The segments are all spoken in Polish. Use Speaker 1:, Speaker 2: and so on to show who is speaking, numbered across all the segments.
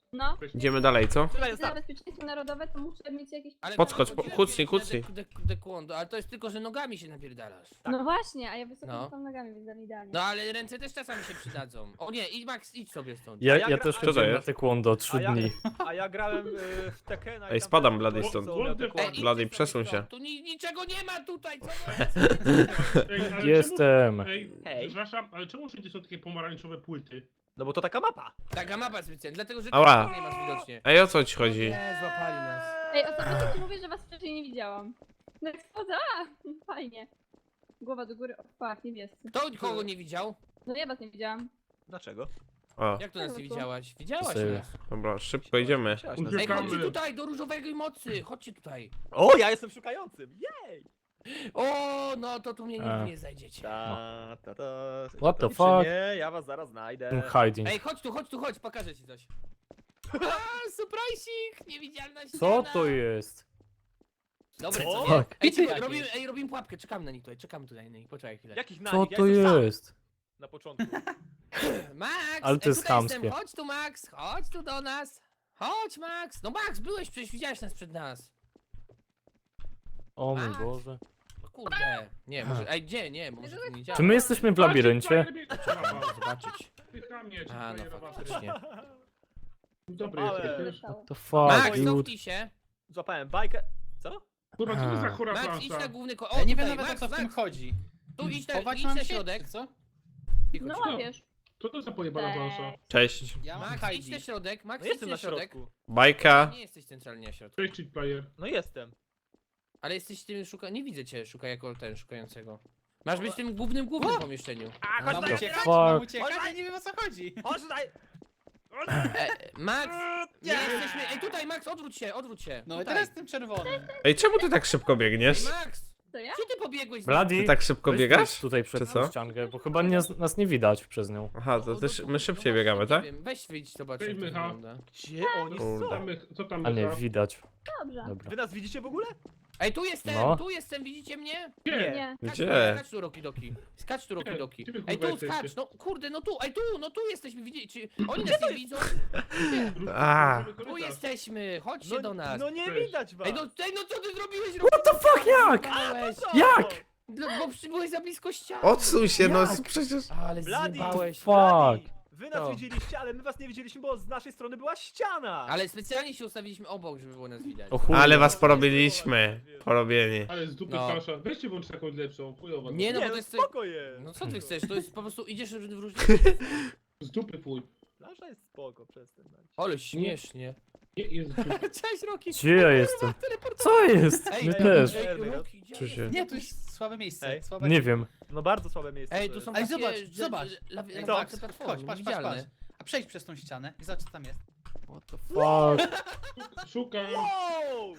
Speaker 1: No.
Speaker 2: Idziemy dalej, co?
Speaker 3: Trzymaj,
Speaker 1: Za
Speaker 3: zostaw.
Speaker 1: bezpieczeństwo narodowe to muszę mieć jakieś...
Speaker 4: Ale
Speaker 2: Podskocz,
Speaker 4: chodziłem
Speaker 2: kucnij,
Speaker 4: kiedyś na
Speaker 2: kucnij.
Speaker 4: Taekwondo, ale to jest tylko, że nogami się napierdalasz.
Speaker 1: No właśnie, a ja wysoko
Speaker 4: No.
Speaker 1: no. nogami, więc idealnie.
Speaker 4: No ale ręce też czasami się przydadzą. O nie, idź Max, idź sobie stąd.
Speaker 3: Ja
Speaker 5: Ja też
Speaker 2: Co to
Speaker 5: chodziłem na
Speaker 2: jest?
Speaker 5: taekwondo 3 dni.
Speaker 3: A ja grałem w Tekena. i
Speaker 2: Ej,
Speaker 3: tam
Speaker 2: spadam,
Speaker 3: też
Speaker 2: Blady,
Speaker 3: było,
Speaker 2: stąd.
Speaker 3: co umiał
Speaker 6: What the
Speaker 3: taekwondo.
Speaker 4: idźcie
Speaker 2: Blady,
Speaker 4: sobie
Speaker 2: przesuń
Speaker 4: stąd.
Speaker 2: się.
Speaker 4: Tu niczego nie ma tutaj, co
Speaker 6: Ej, ale
Speaker 5: Jestem.
Speaker 6: Czemu, ej,
Speaker 3: Hej.
Speaker 6: przepraszam, ale czemu wszędzie są takie pomarańczowe płyty?
Speaker 3: No bo to taka mapa.
Speaker 4: Taka mapa specjalna, dlatego że
Speaker 2: Ała.
Speaker 4: ty nie masz widocznie.
Speaker 2: Ej, o co ci chodzi?
Speaker 4: Nie, złapali nas.
Speaker 1: Ej, osobiście ci mówię, że was wcześniej nie widziałam. No jak schodzę, fajnie. Głowa do góry, o fuck, niebiescy.
Speaker 4: Kto kogo nie widział?
Speaker 1: No ja was nie widziałam.
Speaker 3: Dlaczego?
Speaker 2: O,
Speaker 4: Jak to nas nie widziałaś? Widziałaś
Speaker 5: Serio.
Speaker 4: nas.
Speaker 2: dobra, szybko idziemy.
Speaker 3: Musiałaś nas-
Speaker 4: Ej,
Speaker 6: Uciekamy.
Speaker 4: chodźcie tutaj, do różowego mocy, chodźcie tutaj.
Speaker 3: O, ja jestem szukającym. Jej!
Speaker 4: O, no to tu mnie nigdy nie znajdziecie.
Speaker 3: Ta.
Speaker 5: What the
Speaker 3: Nic
Speaker 5: fuck?
Speaker 3: Nie, ja was zaraz znajdę.
Speaker 5: Hiding.
Speaker 4: Ej, chodź, pokażę ci coś. A, surprising, niewidzialna ściana.
Speaker 5: Co to jest?
Speaker 4: Dobre,
Speaker 3: Co?
Speaker 4: co nie?
Speaker 5: Fuck.
Speaker 4: Ej,
Speaker 3: Jakieś.
Speaker 4: robimy pułapkę, czekamy na nich tutaj, na nich, poczekaj chwilę.
Speaker 3: Jakich na
Speaker 5: Co
Speaker 3: nich? Ja
Speaker 5: to
Speaker 3: jestem sam
Speaker 5: jest?
Speaker 3: na początku.
Speaker 4: Max,
Speaker 5: Ale to jest
Speaker 4: tutaj
Speaker 5: chamskie.
Speaker 4: jestem, chodź tu Max, chodź tu do nas. Chodź Max, no Max, byłeś, przecież widziałeś nas przed nas.
Speaker 5: O mój
Speaker 4: Max.
Speaker 5: Boże.
Speaker 4: O kurde, nie, może, ej, gdzie, nie, bo może tu nie działa.
Speaker 5: Czy my jesteśmy w labiryncie?
Speaker 4: Trzeba zobaczyć.
Speaker 6: Pyta mnie, czy
Speaker 4: A, no
Speaker 6: frajerowa
Speaker 4: faktycznie.
Speaker 6: Dobry
Speaker 3: Ale-
Speaker 6: jesteś,
Speaker 1: Co
Speaker 6: wiesz?
Speaker 1: stało?
Speaker 5: To
Speaker 4: Max,
Speaker 5: fuck, dude.
Speaker 4: cofnij się.
Speaker 3: Złapałem bajkę. Co?
Speaker 6: Kurwa, co to za chora
Speaker 4: Max, idź na
Speaker 6: plansza?
Speaker 4: główny O,
Speaker 7: Ja nie wiem
Speaker 4: tutaj,
Speaker 7: nawet o
Speaker 4: Max,
Speaker 7: co w tym
Speaker 4: Max,
Speaker 7: chodzi.
Speaker 4: tu idź
Speaker 7: Chować
Speaker 4: na
Speaker 7: mam się,
Speaker 4: środek.
Speaker 7: czy co?
Speaker 4: Cicho,
Speaker 1: No
Speaker 4: cicho.
Speaker 1: łapiesz.
Speaker 6: Co to za pojebana plansza?
Speaker 2: Cześć.
Speaker 7: Ja mam
Speaker 4: Max, idź na
Speaker 7: hiding.
Speaker 4: środek, Max,
Speaker 3: No
Speaker 4: idź
Speaker 3: jestem
Speaker 4: na
Speaker 3: na
Speaker 4: środek.
Speaker 3: środku.
Speaker 2: Bajka.
Speaker 4: Nie jesteś centralnie na środku.
Speaker 6: Cześć, cheat player.
Speaker 3: No jestem.
Speaker 4: Ale jesteś tym nie widzę cię, jako ten szukającego. Masz być w tym głównym pomieszczeniu.
Speaker 3: A,
Speaker 7: Mam
Speaker 3: chodź
Speaker 5: the
Speaker 7: uciekać,
Speaker 5: fuck?
Speaker 7: mam uciekać, ja nie wiem o co chodzi.
Speaker 3: Chodź tutaj!
Speaker 4: Max, nie jesteśmy, ej tutaj Max, odwróć się,
Speaker 7: No i
Speaker 4: tutaj.
Speaker 7: teraz jestem czerwony.
Speaker 2: Ej, czemu ty tak szybko biegniesz?
Speaker 4: Ej, Max,
Speaker 1: To ja?
Speaker 4: gdzie ty pobiegłeś?
Speaker 5: Blady,
Speaker 2: Ty tak szybko
Speaker 5: weź
Speaker 2: biegasz?
Speaker 5: wyjdź tutaj
Speaker 2: Czy
Speaker 5: przed
Speaker 2: co?
Speaker 5: tą ściankę, bo chyba nie, nas nie widać przez nią.
Speaker 2: Aha, to też my szybciej biegamy, tak?
Speaker 4: Nie wiem, weź wyjdź, zobacz
Speaker 6: Cześć,
Speaker 4: jak to
Speaker 6: Michał.
Speaker 4: wygląda.
Speaker 3: Gdzie oni
Speaker 2: Kurde.
Speaker 3: są?
Speaker 6: Co tam
Speaker 5: A nie,
Speaker 6: Michał?
Speaker 5: widać.
Speaker 1: Dobrze.
Speaker 5: Dobra.
Speaker 3: Wy nas widzicie w ogóle?
Speaker 4: Ej,
Speaker 5: No.
Speaker 4: tu jestem, widzicie mnie?
Speaker 6: Nie.
Speaker 1: Nie.
Speaker 2: Gdzie?
Speaker 4: Skacz tu, Rokidoki. Skacz tu, Rokidoki.
Speaker 6: Gdzie wy,
Speaker 4: Ej,
Speaker 6: kurwa,
Speaker 4: tu skacz,
Speaker 6: jesteście?
Speaker 4: no kurde, no tu, ej, tu jesteśmy, widzicie, czy oni nas nie widzą?
Speaker 2: A.
Speaker 4: Tu jesteśmy, chodźcie do nas.
Speaker 3: No nie
Speaker 6: Cześć.
Speaker 3: widać was.
Speaker 4: Ej, no co ty zrobiłeś?
Speaker 5: What the fuck, jak?
Speaker 3: Co?
Speaker 5: Jak?
Speaker 4: Bo byłeś za blisko ściany.
Speaker 2: Odsuń się, no
Speaker 5: Jak?
Speaker 2: przecież...
Speaker 4: Ale
Speaker 3: Blady,
Speaker 4: zjebałeś.
Speaker 5: Fuck.
Speaker 3: Wy nas
Speaker 4: To.
Speaker 3: widzieliście, ale my was nie widzieliśmy, bo z naszej strony była ściana.
Speaker 4: Ale specjalnie się ustawiliśmy obok, żeby było nas widać.
Speaker 5: O chuj.
Speaker 2: Ale was porobiliśmy. Porobieni.
Speaker 6: Ale z dupy
Speaker 4: No.
Speaker 6: plansza. Weźcie włącz taką lepszą, chujowa.
Speaker 4: Nie, no
Speaker 3: Nie,
Speaker 4: bo to
Speaker 3: no
Speaker 4: jest...
Speaker 3: spoko jest.
Speaker 4: No co ty chcesz, to jest po prostu, idziesz w różne...
Speaker 6: Z dupy chuj.
Speaker 3: Plansza jest spoko, przestań.
Speaker 4: Ale śmiesznie.
Speaker 6: Nie, jest z dupy.
Speaker 4: Cześć, Roki.
Speaker 5: Gdzie ja jestem? Co jest? My też.
Speaker 4: Roki, gdzie
Speaker 2: Czy się-
Speaker 4: jesteś?
Speaker 7: Nie, tu jest słabe miejsce.
Speaker 3: Ej.
Speaker 7: Słabe...
Speaker 5: Nie wiem.
Speaker 3: No bardzo słabe miejsce.
Speaker 4: Ej,
Speaker 3: to
Speaker 4: tu
Speaker 3: jest.
Speaker 4: są
Speaker 7: Ej,
Speaker 4: takie...
Speaker 7: zobacz,
Speaker 4: że-
Speaker 7: zobacz.
Speaker 4: lawi-
Speaker 3: Co?
Speaker 4: takie platformy,
Speaker 7: Chodź, patrz,
Speaker 4: niewidzialne.
Speaker 7: A przejdź przez tą ścianę i zobacz co tam jest.
Speaker 5: What the fuck?
Speaker 6: Szukam.
Speaker 3: Wow!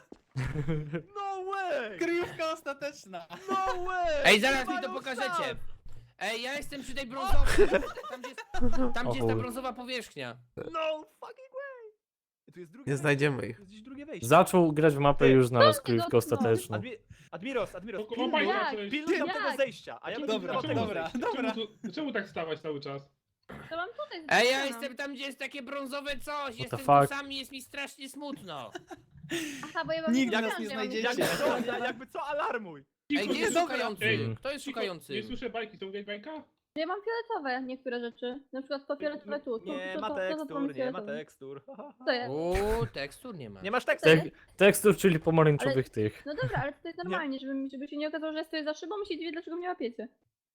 Speaker 3: No way!
Speaker 7: Kryjówka ostateczna.
Speaker 3: No way!
Speaker 4: Ej, zaraz mi
Speaker 3: Mają
Speaker 4: to pokażecie.
Speaker 3: stan!
Speaker 4: Ej, ja jestem przy tej brązowej. Tam gdzie jest ta
Speaker 5: chuj.
Speaker 4: brązowa powierzchnia.
Speaker 3: No fucking way! Tu jest drugie
Speaker 2: Nie znajdziemy ich.
Speaker 3: Tu jest gdzieś drugie wejście.
Speaker 5: Zaczął grać w mapę i już znalazł
Speaker 1: ty
Speaker 5: kryjówkę
Speaker 1: go-
Speaker 5: ostateczną.
Speaker 3: Admiros,
Speaker 6: Tylko
Speaker 3: pilnuj,
Speaker 6: bajka
Speaker 1: Jak?
Speaker 6: przejść.
Speaker 3: pilnuj tam
Speaker 1: Jak?
Speaker 3: tego zejścia, a ja będę
Speaker 7: Dobra,
Speaker 3: pilnował tego
Speaker 7: dobra.
Speaker 3: zejścia.
Speaker 6: Czemu tak stawać cały czas?
Speaker 1: To mam tutaj.
Speaker 4: Ej, ja
Speaker 1: zapisane.
Speaker 4: jestem tam, gdzie jest takie brązowe coś. Jestem tu
Speaker 5: fuck?
Speaker 4: sam i jest mi strasznie smutno.
Speaker 1: Aha, bo ja wam
Speaker 7: Nigdy
Speaker 1: nie
Speaker 7: nas
Speaker 1: powiedziałam,
Speaker 7: nie
Speaker 1: że mam
Speaker 7: znajdziecie.
Speaker 3: Jakby co, alarmuj!
Speaker 4: Ej, gdzie jest
Speaker 7: Dobra.
Speaker 4: szukający?
Speaker 6: Ej,
Speaker 4: Kto jest
Speaker 6: Cicho,
Speaker 4: szukający?
Speaker 6: Nie słyszę bajki, to mówię bajka?
Speaker 1: Ja mam fioletowe niektóre rzeczy. Na przykład to fioletowe tu.
Speaker 3: Nie
Speaker 1: to,
Speaker 3: ma
Speaker 1: to
Speaker 3: tekstur,
Speaker 1: mam
Speaker 3: nie ma
Speaker 1: fioletowe.
Speaker 3: tekstur.
Speaker 1: To jest.
Speaker 4: Uuu, tekstur nie ma.
Speaker 3: Nie masz tekstur?
Speaker 5: Tek tekstur, czyli pomarańczowych tych.
Speaker 1: No dobra, ale to jest normalnie, żeby się nie okazało, że ja stoję za szybą i się dziwię, dlaczego mnie łapiecie.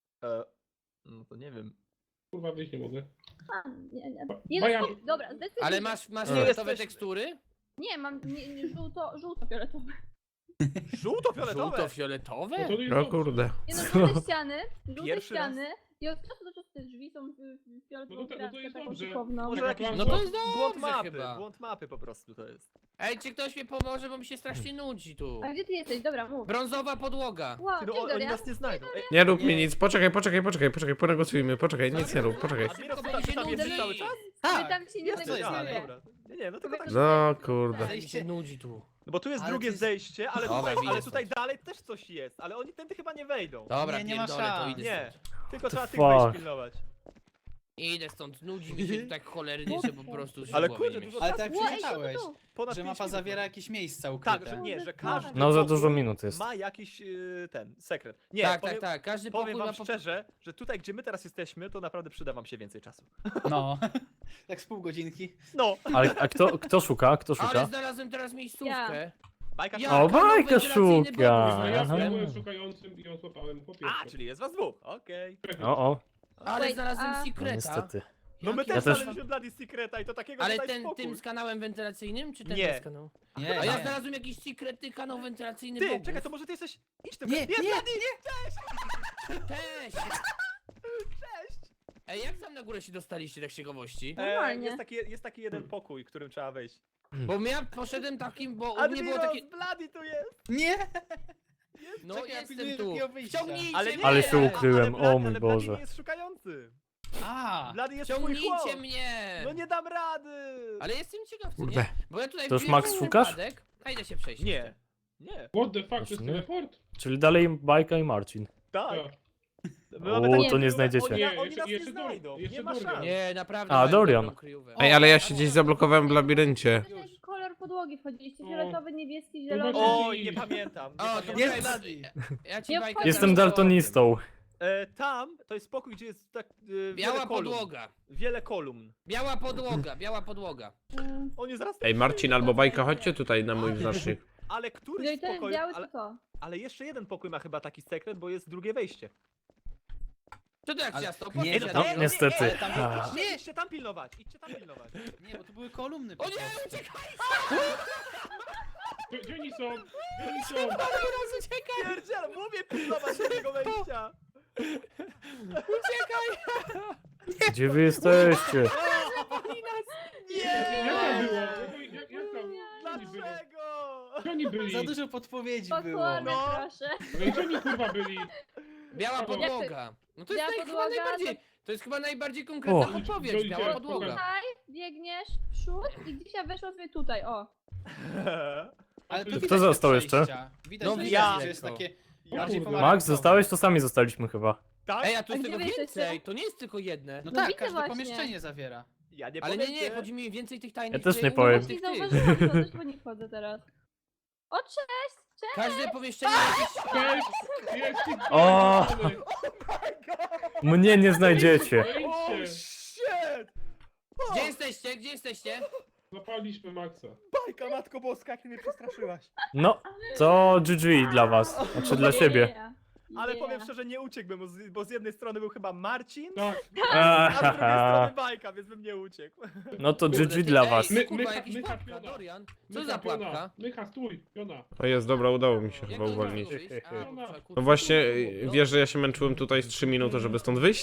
Speaker 3: No to nie wiem.
Speaker 6: Kurwa, wyjść nie mogę.
Speaker 1: A, nie.
Speaker 6: Bajan.
Speaker 1: Jest, dobra, zdecydowanie.
Speaker 4: Ale masz
Speaker 2: Nie
Speaker 4: fioletowe
Speaker 3: jesteśmy.
Speaker 4: tekstury?
Speaker 1: Nie, mam żółto-fioletowe.
Speaker 3: Żółto-fioletowe!
Speaker 4: Żółto-fioletowe?
Speaker 6: No to jest
Speaker 2: O
Speaker 6: dobrze.
Speaker 2: kurde.
Speaker 1: Nie no, żółte ściany,
Speaker 3: Pierwszy raz.
Speaker 1: i od czasu do czasu te drzwi są fioletową
Speaker 6: No to
Speaker 1: kratkę
Speaker 6: jest
Speaker 1: taką
Speaker 6: dobrze.
Speaker 1: szykowną.
Speaker 3: Może
Speaker 6: Taka
Speaker 3: jakiś
Speaker 6: plansza.
Speaker 4: No to jest
Speaker 3: błąd
Speaker 4: dobrze
Speaker 3: mapy,
Speaker 4: chyba.
Speaker 3: błąd mapy po prostu to jest.
Speaker 4: Ej, czy ktoś mi pomoże, bo mi się strasznie nudzi tu.
Speaker 1: A gdzie ty jesteś? Dobra, mów.
Speaker 4: Brązowa podłoga.
Speaker 1: Wow,
Speaker 3: Ty, no,
Speaker 1: cześć
Speaker 3: oni
Speaker 1: Dorian.
Speaker 3: nas nie znajdą. Ej,
Speaker 2: Nie rób mi nic. Poczekaj, ponegocjujmy. Poczekaj, nic nie rób, poczekaj.
Speaker 3: Admiros,
Speaker 4: Bo
Speaker 3: ty
Speaker 4: mi się
Speaker 3: tam jesteś
Speaker 4: nudzi.
Speaker 3: cały czas?
Speaker 1: Ale tam się nie
Speaker 3: Jesteś,
Speaker 1: negocjuje.
Speaker 3: dobra. Nie, no tylko tak.
Speaker 2: No kurde.
Speaker 4: Ale mi się nudzi tu.
Speaker 3: No bo tu jest
Speaker 7: Ale
Speaker 3: drugie
Speaker 7: to jest-
Speaker 3: zejście, ale
Speaker 4: Dobra,
Speaker 3: tutaj,
Speaker 4: widzę
Speaker 3: ale tutaj
Speaker 4: stąd.
Speaker 3: dalej też coś jest, ale oni tędy chyba nie wejdą.
Speaker 4: Dobra,
Speaker 7: Nie ma
Speaker 4: pierdolę, to
Speaker 7: szans.
Speaker 4: idę
Speaker 3: Nie,
Speaker 4: stąd.
Speaker 3: tylko trzeba tych
Speaker 5: fuck?
Speaker 3: wejść pilnować.
Speaker 4: Idę stąd, nudzi mi się tu tak cholernie, że po prostu już
Speaker 3: Ale
Speaker 4: głowy
Speaker 3: kurde,
Speaker 4: nie
Speaker 3: dużo
Speaker 4: mieści.
Speaker 7: Ale
Speaker 3: czasu.
Speaker 7: tak
Speaker 1: Ło, ej,
Speaker 7: przeczytałeś,
Speaker 1: tu.
Speaker 3: Ponad
Speaker 7: że
Speaker 3: 5
Speaker 7: mapa
Speaker 3: minut.
Speaker 7: zawiera jakieś miejsca
Speaker 3: Tak,
Speaker 7: ukryte.
Speaker 3: że nie, że
Speaker 1: Kurde,
Speaker 3: każdy
Speaker 5: No za
Speaker 3: pokój
Speaker 5: dużo minut jest.
Speaker 3: ma jakiś ten sekret. Nie,
Speaker 4: Tak,
Speaker 3: powiem,
Speaker 4: tak, tak, każdy
Speaker 3: powiem
Speaker 4: pokój
Speaker 3: wam
Speaker 4: ma po...
Speaker 3: szczerze, że tutaj gdzie my teraz jesteśmy, to naprawdę przyda wam się więcej czasu.
Speaker 7: No, tak z pół godzinki.
Speaker 3: No,
Speaker 5: Ale a kto szuka? Kto
Speaker 4: Ale
Speaker 5: szuka?
Speaker 4: znalazłem teraz miejscówkę.
Speaker 3: bajka
Speaker 4: Ja.
Speaker 3: szybka.
Speaker 5: O, bajka
Speaker 4: wentylacyjny
Speaker 5: szuka!
Speaker 4: bonus,
Speaker 6: A ja
Speaker 5: Aha.
Speaker 6: byłem szukającym i ją złapałem po
Speaker 3: A,
Speaker 6: pierwsze.
Speaker 3: czyli jest was dwóch, okej.
Speaker 5: O,
Speaker 4: Ale
Speaker 1: Wait,
Speaker 4: znalazłem
Speaker 1: a-
Speaker 5: no
Speaker 4: secreta.
Speaker 5: niestety.
Speaker 3: No my
Speaker 4: Jaki-
Speaker 3: też
Speaker 5: Ja też-
Speaker 3: znaleźliśmy Bloody Secreta i to takiego
Speaker 4: Ale
Speaker 3: tutaj
Speaker 4: ten,
Speaker 3: spokój.
Speaker 4: tym z kanałem wentylacyjnym, czy ten
Speaker 3: Nie.
Speaker 4: bez kanału?
Speaker 7: Nie,
Speaker 4: A ja
Speaker 7: nie.
Speaker 4: znalazłem jakiś secretny kanał wentylacyjny
Speaker 3: Ty,
Speaker 4: bogów.
Speaker 3: czekaj, to może ty jesteś... Idź tym...
Speaker 7: Nie, nie,
Speaker 4: Cześć! Ej, jak tam na górę się dostaliście, tak z ciekawości?
Speaker 1: Normalnie.
Speaker 3: Jest taki jeden pokój, którym trzeba wejść.
Speaker 4: Bo ja poszedłem takim, bo u mnie
Speaker 3: Admiros,
Speaker 4: było takie...
Speaker 3: Bloody tu jest!
Speaker 7: Nie!
Speaker 4: No
Speaker 7: Czekaj, ja
Speaker 4: jestem
Speaker 7: pilnuję
Speaker 4: tu.
Speaker 7: drugiego wyjścia.
Speaker 4: Wciągnijcie
Speaker 3: Ale nie,
Speaker 4: mnie!
Speaker 5: Ale się ukryłem,
Speaker 3: ale Bloody-
Speaker 5: o mój
Speaker 3: ale Bloody
Speaker 5: Boże.
Speaker 3: nie jest szukający.
Speaker 7: A,
Speaker 3: Bloody jest twój chłop.
Speaker 4: Wciągnijcie mnie!
Speaker 3: No nie dam rady!
Speaker 4: Ale jestem ciekaw, co
Speaker 2: Kurde.
Speaker 4: nie? Bo ja tutaj
Speaker 5: To już
Speaker 4: wbiłem
Speaker 5: Max
Speaker 4: w
Speaker 5: szukasz?
Speaker 4: przypadek. A idę się przejść.
Speaker 3: Nie. Nie,
Speaker 6: What the fuck, to jest
Speaker 5: Właśnie.
Speaker 6: teleport?
Speaker 5: Czyli dalej Bajka i Marcin.
Speaker 3: tak.
Speaker 6: Tak.
Speaker 3: My
Speaker 5: O,
Speaker 3: mamy takie
Speaker 5: to nie
Speaker 3: kryjówki,
Speaker 5: znajdziecie.
Speaker 3: Oni,
Speaker 6: Nie,
Speaker 3: oni nas nie
Speaker 6: jeszcze Dorian,
Speaker 3: znajdą,
Speaker 6: jeszcze
Speaker 3: nie ma
Speaker 6: Dorian.
Speaker 3: szans.
Speaker 4: Nie, naprawdę.
Speaker 5: A,
Speaker 4: mają
Speaker 5: Dorian.
Speaker 4: dobrą kryjówkę.
Speaker 2: Ej, ale ja się gdzieś zablokowałem w labiryncie.
Speaker 1: Jaki kolor podłogi wchodziliście?
Speaker 6: O.
Speaker 1: Fioletowy, niebieski,
Speaker 6: No
Speaker 1: zielony.
Speaker 6: właśnie-
Speaker 3: Oj, nie pamiętam. Nie
Speaker 4: O, to
Speaker 3: pamiętam.
Speaker 7: Jest
Speaker 4: jest
Speaker 7: Bloody.
Speaker 4: Ja ci
Speaker 1: Nie
Speaker 4: bajkę
Speaker 1: wchodź.
Speaker 5: Jestem
Speaker 4: zaraz
Speaker 5: daltonistą.
Speaker 3: Tam to jest spokój, gdzie jest tak
Speaker 4: Biała
Speaker 3: wiele kolumn.
Speaker 4: podłoga.
Speaker 3: Wiele kolumn.
Speaker 4: Biała podłoga, biała podłoga.
Speaker 3: On jest zaraz...
Speaker 2: Ej, Marcin albo Bajka, chodźcie tutaj na mój znacznik.
Speaker 3: Ale któryś
Speaker 1: Jeżeli to jest
Speaker 3: spokój...
Speaker 1: biały,
Speaker 3: Ale,
Speaker 1: to to.
Speaker 3: ale jeszcze jeden pokój ma chyba taki sekret, bo jest drugie wejście.
Speaker 4: Co to jak
Speaker 7: Ale-
Speaker 4: ciasto?
Speaker 7: nie,
Speaker 4: Powiedz,
Speaker 7: no,
Speaker 4: ja
Speaker 5: No, niestety.
Speaker 7: Ale tam
Speaker 5: A.
Speaker 3: Nie, idźcie tam pilnować, idźcie tam pilnować.
Speaker 7: Nie, bo to były kolumny po
Speaker 4: O nie,
Speaker 7: prostu.
Speaker 4: uciekaj!
Speaker 6: Gdzie oni są? Gdzie oni są?
Speaker 4: Teraz uciekaj!
Speaker 3: Pierdziel, mówię pilnować tego wejścia.
Speaker 4: Uciekaj!
Speaker 5: Gdzie wy jesteście?
Speaker 3: Nie!
Speaker 6: Jak tam było? Jak tam? Gdzie oni byli?
Speaker 3: Dlaczego?
Speaker 6: Gdzie oni byli?
Speaker 7: Za dużo podpowiedzi było.
Speaker 1: Potworne,
Speaker 3: No.
Speaker 1: proszę.
Speaker 6: Ale gdzie oni kurwa byli?
Speaker 4: Biała podłoga. No to jest
Speaker 1: Biała
Speaker 4: chyba
Speaker 1: podłoga,
Speaker 4: najbardziej... To jest chyba najbardziej konkretna
Speaker 5: O.
Speaker 4: odpowiedź,
Speaker 6: Gdzie
Speaker 4: biała
Speaker 6: idzie?
Speaker 4: podłoga.
Speaker 1: Tutaj biegniesz w przód i gdzieś ja weszła sobie tutaj, o.
Speaker 7: Ale to
Speaker 6: Kto
Speaker 7: widać te
Speaker 5: został jeszcze?
Speaker 7: przejścia. Widać,
Speaker 4: No
Speaker 7: że
Speaker 3: ja.
Speaker 7: jest takie
Speaker 6: O
Speaker 7: bardziej
Speaker 6: kurde.
Speaker 7: pomarańczowe.
Speaker 5: Max, zostałeś? To sami zostaliśmy chyba.
Speaker 3: Tak?
Speaker 4: Ej, a tu
Speaker 1: A
Speaker 4: jest
Speaker 1: gdzie
Speaker 4: tego
Speaker 1: wy jesteście?
Speaker 4: więcej, to nie jest tylko jedne.
Speaker 7: No
Speaker 1: No
Speaker 7: tak,
Speaker 1: widzę
Speaker 7: każde
Speaker 1: właśnie.
Speaker 7: pomieszczenie zawiera.
Speaker 3: Ja nie
Speaker 4: Ale
Speaker 3: powiem
Speaker 4: nie,
Speaker 3: cię.
Speaker 4: chodzi mi więcej tych tajnych...
Speaker 5: Ja też nie
Speaker 4: tych-
Speaker 5: powiem.
Speaker 4: tych-
Speaker 1: Nie
Speaker 4: tych-
Speaker 1: zauważyłam to, też po nie wchodzę teraz. O, cześć! Cześć!
Speaker 4: Każde pomieszczenie jakieś...
Speaker 6: Cześć! Jest
Speaker 5: O! Mnie nie znajdziecie.
Speaker 3: Oh
Speaker 6: Wejdźcie!
Speaker 3: shit!
Speaker 4: Gdzie jesteście? Gdzie jesteście?
Speaker 6: Zapaliśmy Maxa.
Speaker 3: Bajka, matko boska, jak ty mnie przestraszyłaś.
Speaker 5: No, to GG dla was. Znaczy dla siebie.
Speaker 1: Yeah.
Speaker 3: Ale
Speaker 1: Yeah.
Speaker 3: powiem szczerze, nie uciekłbym, bo z jednej strony był chyba Marcin,
Speaker 6: Tak.
Speaker 3: a z drugiej strony
Speaker 5: Ahaha.
Speaker 3: Bajka, więc bym nie uciekł.
Speaker 5: No to
Speaker 4: Kurde,
Speaker 5: GG
Speaker 4: ty-
Speaker 5: dla
Speaker 4: ej,
Speaker 5: was.
Speaker 4: Kurwa, jakiś
Speaker 6: Mycha,
Speaker 4: pułapka,
Speaker 6: piona.
Speaker 4: Dorian. Co
Speaker 6: Mycha,
Speaker 4: za
Speaker 6: piona.
Speaker 4: pułapka?
Speaker 6: Mycha, stój, piona.
Speaker 2: O jest, dobra, udało mi się
Speaker 4: Jak
Speaker 2: chyba
Speaker 4: to
Speaker 2: uwolnić.
Speaker 4: zrobić? A, bo trzeba, kurwa,
Speaker 2: No właśnie,
Speaker 4: no.
Speaker 2: wiesz, że ja się męczyłem tutaj z 3 minuty, żeby stąd wyjść?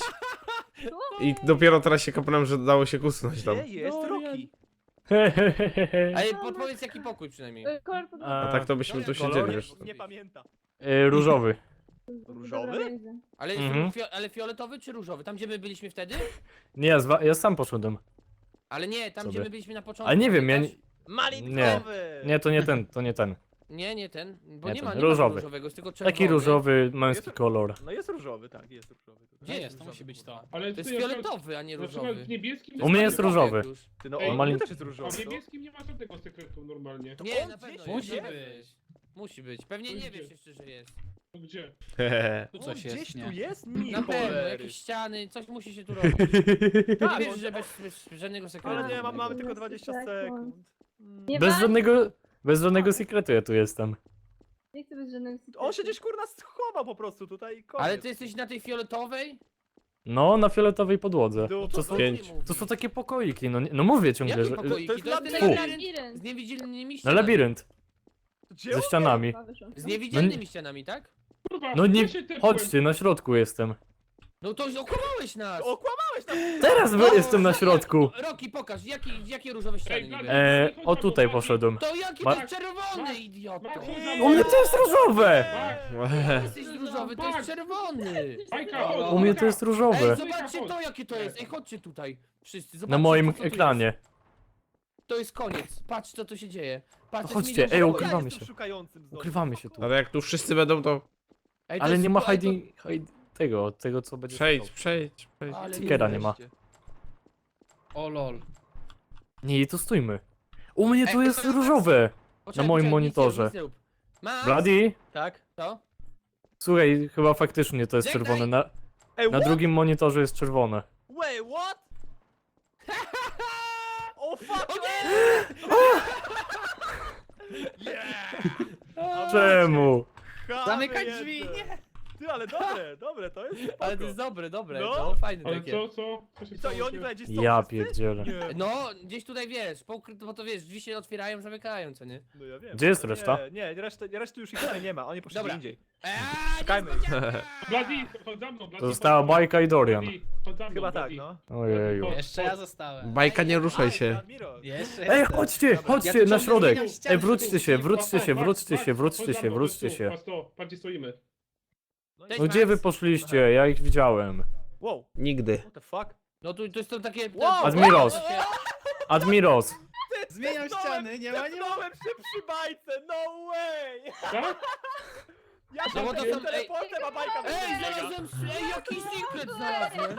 Speaker 2: I dopiero teraz się kapnąłem, że dało się kusnąć tam.
Speaker 3: Gdzie jest Roki?
Speaker 4: Ej, podpowiedz jaki pokój przynajmniej.
Speaker 1: Kolor podłogi.
Speaker 2: A tak to byśmy tu
Speaker 4: Kolor?
Speaker 2: siedzieli już.
Speaker 3: Nie pamięta.
Speaker 5: Różowy.
Speaker 3: Różowy?
Speaker 1: Dobra, widzę.
Speaker 4: Ale,
Speaker 5: Mhm.
Speaker 4: ale fioletowy czy różowy? Tam gdzie my byliśmy wtedy?
Speaker 5: Nie, ja sam poszedłem.
Speaker 4: Ale nie, tam gdzie
Speaker 5: Sobie.
Speaker 4: my byliśmy na początku.
Speaker 5: Ale nie wiem, ja nie...
Speaker 4: pamiętasz?
Speaker 3: Malinowy!
Speaker 5: Nie, to nie ten, to nie ten.
Speaker 4: Nie ten, bo
Speaker 5: Nie
Speaker 4: nie
Speaker 5: ten,
Speaker 4: ma, nie
Speaker 5: różowy.
Speaker 4: ma różowego, jest tylko czerwony.
Speaker 5: Taki różowy, męski
Speaker 3: Jest-
Speaker 5: kolor.
Speaker 3: No jest różowy, tak, jest różowy.
Speaker 4: Gdzie
Speaker 7: Nie
Speaker 4: jest
Speaker 7: jest, to
Speaker 4: różowy,
Speaker 7: musi być
Speaker 4: kurwa?
Speaker 7: to.
Speaker 6: Ale
Speaker 4: To jest
Speaker 6: ty, na przykład-
Speaker 4: fioletowy, a nie
Speaker 6: Na przykład
Speaker 4: różowy.
Speaker 6: w niebieskim...
Speaker 5: U mnie jest różowy.
Speaker 4: Już.
Speaker 3: Ty, no
Speaker 6: Ej,
Speaker 3: on
Speaker 5: malin-
Speaker 3: też jest
Speaker 6: A
Speaker 3: różowy.
Speaker 6: w
Speaker 3: to-
Speaker 6: niebieskim nie ma żadnego sekretu normalnie.
Speaker 4: Nie,
Speaker 3: on
Speaker 4: na pewno
Speaker 3: gdzieś
Speaker 4: jest.
Speaker 7: musi
Speaker 4: na
Speaker 7: być.
Speaker 4: pewno jest. Musi być. Pewnie
Speaker 6: To
Speaker 4: nie
Speaker 6: gdzie?
Speaker 4: wiesz jeszcze, że jest.
Speaker 6: To gdzie?
Speaker 7: Tu
Speaker 3: On
Speaker 7: coś
Speaker 3: gdzieś
Speaker 7: jest,
Speaker 3: tu
Speaker 7: nie?
Speaker 3: jest?
Speaker 4: Na
Speaker 3: Nie,
Speaker 4: pewno,
Speaker 3: cholery.
Speaker 4: jakieś ściany, coś musi się tu robić.
Speaker 3: Tak,
Speaker 4: Nie
Speaker 3: on-
Speaker 4: wiesz, że bez żadnego sekretu.
Speaker 3: Ale nie, mamy tylko 20 sekund.
Speaker 1: Nie
Speaker 5: Bez
Speaker 1: ma?
Speaker 5: żadnego sekretu ja tu jestem.
Speaker 1: Nie chcę być żadnym
Speaker 3: On się gdzieś kurna schował po prostu tutaj i koniec.
Speaker 4: Ale ty jesteś na tej fioletowej?
Speaker 5: No, na fioletowej podłodze.
Speaker 3: Tu-
Speaker 5: To są,
Speaker 2: Pięć.
Speaker 5: to są takie pokoiki, no, no mówię ciągle,
Speaker 4: Jakie
Speaker 5: że...
Speaker 4: pokoiki?
Speaker 3: to jest
Speaker 4: To jest ten
Speaker 3: labirynt.
Speaker 4: labirynt
Speaker 1: Labirynt.
Speaker 4: z niewidzialnymi
Speaker 5: Na
Speaker 4: ścianami.
Speaker 5: labirynt,
Speaker 3: Gdzie
Speaker 5: ze
Speaker 3: on?
Speaker 5: ścianami.
Speaker 1: Wyszło.
Speaker 4: Z niewidzialnymi ścianami, tak?
Speaker 6: Kurwa,
Speaker 5: No nie,
Speaker 6: ja się tepłem.
Speaker 5: chodźcie, na środku jestem.
Speaker 4: No to okłamałeś nas!
Speaker 3: Okłamałeś nas!
Speaker 5: Teraz jestem na środku.
Speaker 4: Roki, pokaż, jakie różowe ściany
Speaker 6: Ej,
Speaker 4: niby?
Speaker 6: Blady.
Speaker 5: O tutaj poszedłem.
Speaker 4: To jakie
Speaker 5: Ma-
Speaker 4: to jest czerwony, idioto!
Speaker 6: Max, chodź za
Speaker 5: U
Speaker 6: mną.
Speaker 5: mnie to jest różowe!
Speaker 6: Max,
Speaker 4: Jesteś różowy, to jest czerwony!
Speaker 6: Bajka, chodź,
Speaker 5: U mnie
Speaker 6: Bajka.
Speaker 5: to jest
Speaker 4: Ej,
Speaker 5: różowe.
Speaker 4: zobaczcie to, jakie to jest! Ej, chodźcie tutaj, wszyscy, zobaczcie.
Speaker 5: Na moim
Speaker 4: co tu jest.
Speaker 5: ekranie.
Speaker 4: To jest koniec, patrz co tu się dzieje. Patrz, to
Speaker 5: Chodźcie,
Speaker 4: jest milion
Speaker 5: ej,
Speaker 4: pokoju.
Speaker 5: ukrywamy
Speaker 3: Ja jestem
Speaker 5: się.
Speaker 3: szukającym znowu.
Speaker 5: Ukrywamy się tu.
Speaker 2: Ale jak tu wszyscy będą, to
Speaker 4: Ej, to
Speaker 5: Ale
Speaker 4: jest
Speaker 5: nie ma
Speaker 4: tylko-
Speaker 5: tego co będzie...
Speaker 2: przejdź.
Speaker 4: Ale
Speaker 5: Stickera nie ma.
Speaker 7: O lol.
Speaker 5: Nie, tu stójmy. U mnie tu
Speaker 4: Ej,
Speaker 5: jest
Speaker 4: to-
Speaker 5: różowe.
Speaker 4: Poczekaj,
Speaker 5: moim
Speaker 4: poczekaj,
Speaker 5: monitorze.
Speaker 4: nic nie rób. Max!
Speaker 5: Bloody?
Speaker 3: Tak?
Speaker 4: Co?
Speaker 5: Słuchaj, chyba faktycznie to jest
Speaker 4: Żegnaj.
Speaker 5: czerwone.
Speaker 3: Ej,
Speaker 5: Na
Speaker 3: what?
Speaker 5: drugim monitorze jest czerwone.
Speaker 3: Wait, what? O fuck!
Speaker 4: O nie!
Speaker 3: Yeah!
Speaker 5: Czemu?
Speaker 3: Chamy
Speaker 7: Zamykać
Speaker 3: jedne.
Speaker 7: drzwi, nie!
Speaker 3: Ty, ale dobre, to jest spoko.
Speaker 4: Ale to jest dobre,
Speaker 3: No.
Speaker 4: no fajne
Speaker 6: Ale
Speaker 4: takie.
Speaker 6: co się
Speaker 3: I co, i
Speaker 6: stało?
Speaker 3: oni tutaj gdzieś są
Speaker 5: Ja
Speaker 3: wszyscy?
Speaker 5: pierdzielę.
Speaker 3: Nie.
Speaker 4: No, gdzieś tutaj wiesz, bo to wiesz, drzwi się otwierają, zamykają, co nie?
Speaker 3: No ja wiem.
Speaker 5: Gdzie jest
Speaker 3: No
Speaker 5: reszta?
Speaker 3: Nie, reszty już ich tutaj nie ma, oni poszli
Speaker 4: Dobra.
Speaker 3: gdzie indziej.
Speaker 4: Szukajmy.
Speaker 3: Szukajmy.
Speaker 6: Bloody, chodź za mną, Bloody,
Speaker 5: To została
Speaker 6: chodź za mną.
Speaker 5: Bajka i Dorian.
Speaker 6: Bloody, chodź za mną,
Speaker 3: Chyba tak,
Speaker 6: Bloody.
Speaker 3: no.
Speaker 5: Ojeju.
Speaker 7: Jeszcze ja zostałem.
Speaker 2: Bajka, nie ruszaj się.
Speaker 3: Admiro.
Speaker 7: Jeszcze
Speaker 5: Ej,
Speaker 7: jestem.
Speaker 5: chodźcie,
Speaker 7: Dobra.
Speaker 5: chodźcie
Speaker 7: Ja tu
Speaker 5: na
Speaker 7: ciągle
Speaker 5: środek.
Speaker 7: zmieniam ściany,
Speaker 5: Ej, wróćcie się,
Speaker 7: żeby-
Speaker 5: wróćcie się,
Speaker 6: Patrz,
Speaker 5: wróćcie
Speaker 6: patrz,
Speaker 5: się,
Speaker 6: patrz,
Speaker 5: wróćcie
Speaker 6: chodź
Speaker 5: się,
Speaker 6: za mną,
Speaker 5: wróćcie
Speaker 6: tu,
Speaker 5: się.
Speaker 6: patrz to, patrz gdzie stoimy.
Speaker 4: Cześć,
Speaker 5: No gdzie
Speaker 4: Max.
Speaker 5: wy poszliście? Ja ich widziałem.
Speaker 3: Wow,
Speaker 2: Nigdy.
Speaker 3: what the fuck?
Speaker 4: No to są takie...
Speaker 3: Wow!
Speaker 5: Admiros. Admiros.
Speaker 7: Zmieniam ściany, nie ma, nie ma.
Speaker 3: Tepnąłem się przy bajce, no way!
Speaker 6: Tak?
Speaker 3: Ja
Speaker 4: No bo
Speaker 3: tam
Speaker 4: to
Speaker 3: jestem
Speaker 4: są- ej-
Speaker 3: teleportem, a bajka
Speaker 4: Ej,
Speaker 3: wybiega.
Speaker 4: znalazłem... Ej, jaki secret znalazłem!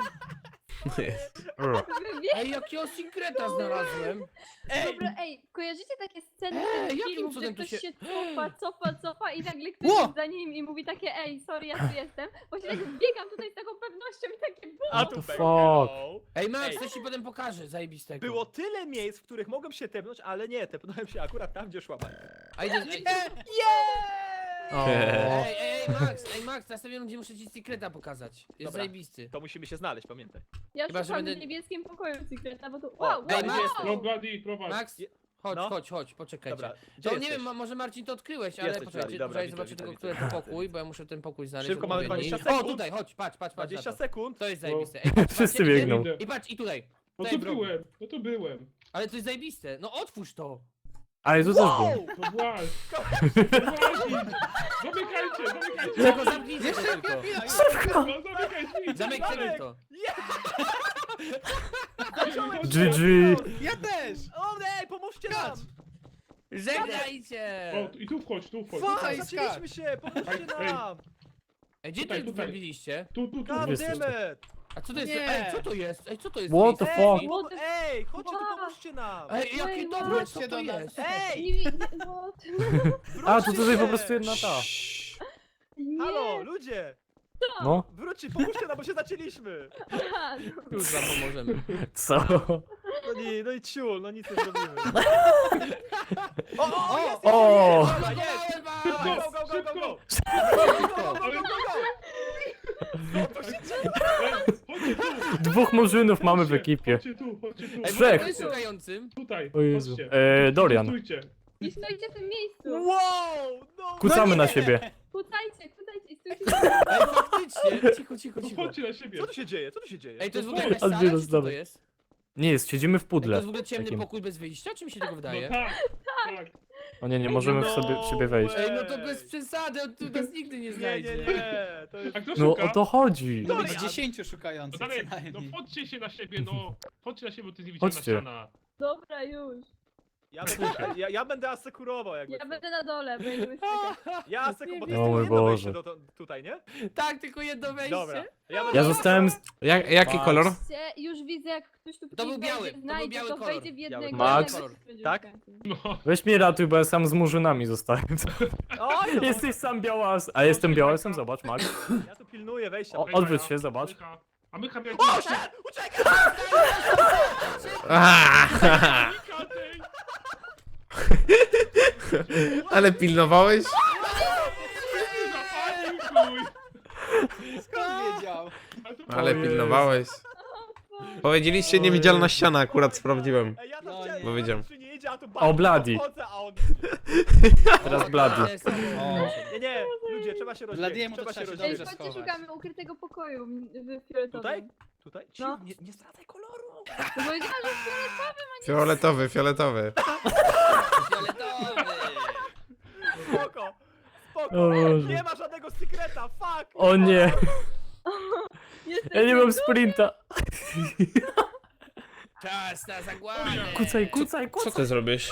Speaker 4: Ej, jakiego secreta znalazłem!
Speaker 1: Dobra, ej, kojarzycie takie sceny
Speaker 4: Ej,
Speaker 1: z tych
Speaker 4: jakim
Speaker 1: filmów, że
Speaker 4: cudem tu
Speaker 1: ktoś
Speaker 4: się-
Speaker 1: się cofa i nagle ktoś
Speaker 7: Ło!
Speaker 1: jest za nim i mówi takie ej, sorry, ja tu jestem. Właśnie tak biegam tutaj z taką pewnością i takie bum.
Speaker 3: A
Speaker 5: the
Speaker 3: tu
Speaker 5: fuck?
Speaker 3: hello.
Speaker 4: Ej, Max,
Speaker 3: Ej.
Speaker 4: coś ci potem pokażę, zajebistego.
Speaker 3: Było tyle miejsc, w których mogłem się tepnąć, ale nie, tepnąłem się akurat tam, gdzie szła bajka.
Speaker 4: A idę... Ej,
Speaker 5: O.
Speaker 4: ej, Max, następnie będzie muszę ci secreta pokazać. Jest
Speaker 3: Dobra.
Speaker 4: zajebisty.
Speaker 3: To musimy się znaleźć, pamiętaj.
Speaker 1: Ja
Speaker 4: Chyba, że
Speaker 1: szukam
Speaker 4: będę-
Speaker 1: w niebieskim pokoju sekreta, bo tu wow,
Speaker 3: ej,
Speaker 1: wow,
Speaker 3: jest-
Speaker 6: No Bloody, prowadź.
Speaker 4: Max,
Speaker 3: Je-
Speaker 4: chodź,
Speaker 3: no.
Speaker 4: chodź, poczekajcie.
Speaker 3: Dobra, gdzie
Speaker 4: To nie
Speaker 3: jesteś?
Speaker 4: wiem, może Marcin to odkryłeś, ale
Speaker 3: Jesteś,
Speaker 4: poczekajcie,
Speaker 3: dobra,
Speaker 4: poczekaj,
Speaker 3: widzę,
Speaker 4: zobaczę
Speaker 3: widzę,
Speaker 4: tylko,
Speaker 3: widzę.
Speaker 4: który to pokój, bo ja muszę ten pokój znaleźć.
Speaker 3: Szybko, mamy
Speaker 4: odpowiedni.
Speaker 3: 20
Speaker 4: O,
Speaker 3: sekund.
Speaker 4: tutaj, chodź, patrz,
Speaker 3: 20
Speaker 4: na to.
Speaker 3: sekund.
Speaker 4: To jest zajebiste. Ej, patrz,
Speaker 5: Wszyscy
Speaker 4: patrzcie,
Speaker 5: biegną.
Speaker 6: Idę.
Speaker 4: I patrz, i tutaj.
Speaker 6: No
Speaker 4: Tutaj
Speaker 6: to
Speaker 4: w rogu.
Speaker 6: byłem, no to byłem.
Speaker 4: Ale to jest zajebiste. No otwórz to.
Speaker 5: Ale tu też był.
Speaker 6: No właśnie. Zamykajcie, zamykajcie.
Speaker 4: Tylko zamknijcie to tylko.
Speaker 6: No zamykaj drzwi.
Speaker 4: Zamyknijmy to.
Speaker 5: GG.
Speaker 7: Ja też!
Speaker 3: O nie, pomóżcie nam!
Speaker 4: Żegnajcie!
Speaker 6: O, i tu wchodź, tu wchodź.
Speaker 3: Fuck,
Speaker 7: Tutaj
Speaker 3: zaczęliśmy się, pomóżcie
Speaker 6: Ej.
Speaker 3: nam!
Speaker 4: Ej, gdzie
Speaker 6: Tutaj,
Speaker 4: ty
Speaker 6: tutaj.
Speaker 4: wybiliście?
Speaker 6: Tu.
Speaker 3: God
Speaker 5: jesteście.
Speaker 3: damn it!
Speaker 4: A co to jest?
Speaker 7: Nie.
Speaker 4: Ej, co to jest? Ej, co to jest?
Speaker 5: What the
Speaker 4: Ej,
Speaker 5: fuck?
Speaker 3: Ej,
Speaker 1: What the-
Speaker 3: ej, chodźcie tu,
Speaker 1: Wow.
Speaker 3: pomóżcie nam!
Speaker 4: Ej, jakie
Speaker 1: Ej,
Speaker 4: dobre, co
Speaker 7: wróćcie
Speaker 4: to
Speaker 7: do nas.
Speaker 4: jest?
Speaker 3: Ej,
Speaker 1: Nie widzę, what?
Speaker 5: A, to
Speaker 3: wróćcie
Speaker 5: tutaj po
Speaker 3: się!
Speaker 5: prostu jedna ta.
Speaker 1: Nie,
Speaker 3: Halo, ludzie!
Speaker 5: No,
Speaker 3: Wróćcie, pomóżcie nam, bo się zacięliśmy!
Speaker 1: aha,
Speaker 4: Już wam pomożemy.
Speaker 5: co?
Speaker 3: No i ciul, no nic nie zrobimy. O, jest,
Speaker 5: O!
Speaker 3: Dobra, jest!
Speaker 4: Zalogowałem was!
Speaker 3: Go, go, go, go, go!
Speaker 6: Ale
Speaker 3: Co to się dzieje?
Speaker 6: chodźcie tu.
Speaker 5: Dwóch murzynów mamy w
Speaker 6: Chodźcie,
Speaker 5: ekipie.
Speaker 6: Chodźcie tu.
Speaker 4: Ej,
Speaker 5: Trzech.
Speaker 4: kto jest szukającym?
Speaker 6: Tutaj,
Speaker 5: O Jezu.
Speaker 6: chodźcie.
Speaker 5: Dorian.
Speaker 6: Stójcie.
Speaker 1: i stoicie w tym miejscu.
Speaker 3: Wow! No,
Speaker 5: Kucamy na siebie.
Speaker 1: Kucajcie i stójcie.
Speaker 4: Ej, faktycznie! Cicho.
Speaker 6: No chodźcie na siebie.
Speaker 3: Co tu się dzieje? Co tu się dzieje?
Speaker 4: Ej, to jest w ogóle jakaś sala,
Speaker 5: Admiros,
Speaker 4: czy co to
Speaker 5: dawaj.
Speaker 4: jest?
Speaker 5: Nie jest, siedzimy w
Speaker 4: Ej, to
Speaker 5: pudle.
Speaker 4: jest w ogóle ciemny
Speaker 5: Takim.
Speaker 4: pokój bez wyjścia, czy mi się tego
Speaker 6: No
Speaker 4: wydaje?
Speaker 6: tak.
Speaker 5: O nie, nie możemy w siebie wejść.
Speaker 4: Ej, no to bez przesady, on tu nas nigdy nie
Speaker 3: Nie,
Speaker 4: znajdzie.
Speaker 3: nie, to jest...
Speaker 6: A kto
Speaker 5: No
Speaker 6: szuka?
Speaker 5: o to chodzi.
Speaker 7: No
Speaker 3: Dorian.
Speaker 7: być 10
Speaker 6: No
Speaker 7: szukających
Speaker 6: dalej,
Speaker 7: co
Speaker 6: no
Speaker 7: najmniej.
Speaker 6: chodźcie się na siebie, no. Chodźcie na siebie, bo to jest niewidzialna
Speaker 5: Chodźcie.
Speaker 6: ściana.
Speaker 1: Dobra, już.
Speaker 3: Ja będę asekurował jakby.
Speaker 1: Ja
Speaker 3: co.
Speaker 1: będę na dole, będziemy skakać.
Speaker 3: Ja asekurował, bo to
Speaker 5: O
Speaker 3: jest
Speaker 5: mój
Speaker 3: tylko jedno
Speaker 5: Boże.
Speaker 3: wejście tutaj, nie?
Speaker 4: Tak, tylko jedno wejście.
Speaker 3: Dobra.
Speaker 5: Ja zostałem...
Speaker 2: Jaki kolor?
Speaker 1: Patrzcie, już widzę, jak ktoś tu
Speaker 4: był biały,
Speaker 1: wejdzie,
Speaker 4: to był
Speaker 1: znajdzie,
Speaker 4: biały
Speaker 1: to
Speaker 4: kolor.
Speaker 1: wejdzie w jednego.
Speaker 5: Max?
Speaker 1: i nagle będzie
Speaker 3: Tak?
Speaker 1: szukać.
Speaker 6: No.
Speaker 5: Weź mnie ratuj, bo ja sam z murzynami zostałem.
Speaker 3: Oj, no,
Speaker 5: Jesteś sam białas. A jestem białasem, zobacz, Max.
Speaker 3: ja tu pilnuję wejścia.
Speaker 5: O, odwróć się, zobacz.
Speaker 6: A my jak...
Speaker 3: O, shit! Uciekaj!
Speaker 2: Aaa! Ale pilnowałeś?
Speaker 7: Skąd wiedział?
Speaker 2: Ale
Speaker 5: Jezu.
Speaker 2: pilnowałeś. Powiedzieliście niewidzialna ściana, akurat sprawdziłem.
Speaker 3: Ej, ja tam
Speaker 7: No
Speaker 3: chciałem,
Speaker 2: nie. Powiedziałem.
Speaker 3: że nie idzie, a tu
Speaker 5: O, Bloody.
Speaker 3: Wchodzę, a on...
Speaker 5: Teraz Bloody.
Speaker 3: Nie, nie, ludzie, trzeba się rozdzielić.
Speaker 7: Bladiemu to
Speaker 3: Trzeba się
Speaker 7: trzeba się
Speaker 1: Ej,
Speaker 3: rozdzielić.
Speaker 7: dobrze
Speaker 1: chodźcie,
Speaker 7: schować.
Speaker 1: szukamy ukrytego pokoju w fioletowym.
Speaker 3: Tutaj?
Speaker 1: No.
Speaker 3: Nie zdradzaj koloru!
Speaker 1: No powiedziałam, że fioletowy.
Speaker 2: Fioletowy, fioletowy.
Speaker 4: Fioletowy.
Speaker 3: Spoko! Spoko!
Speaker 5: O Boże.
Speaker 3: Nie ma żadnego sekreta, fuck!
Speaker 5: O nie,
Speaker 1: Jesteś
Speaker 5: ja nie mam
Speaker 1: najgorszy.
Speaker 5: sprinta.
Speaker 4: Czas na zagładę.
Speaker 5: Kucaj.
Speaker 2: Co ty zrobisz?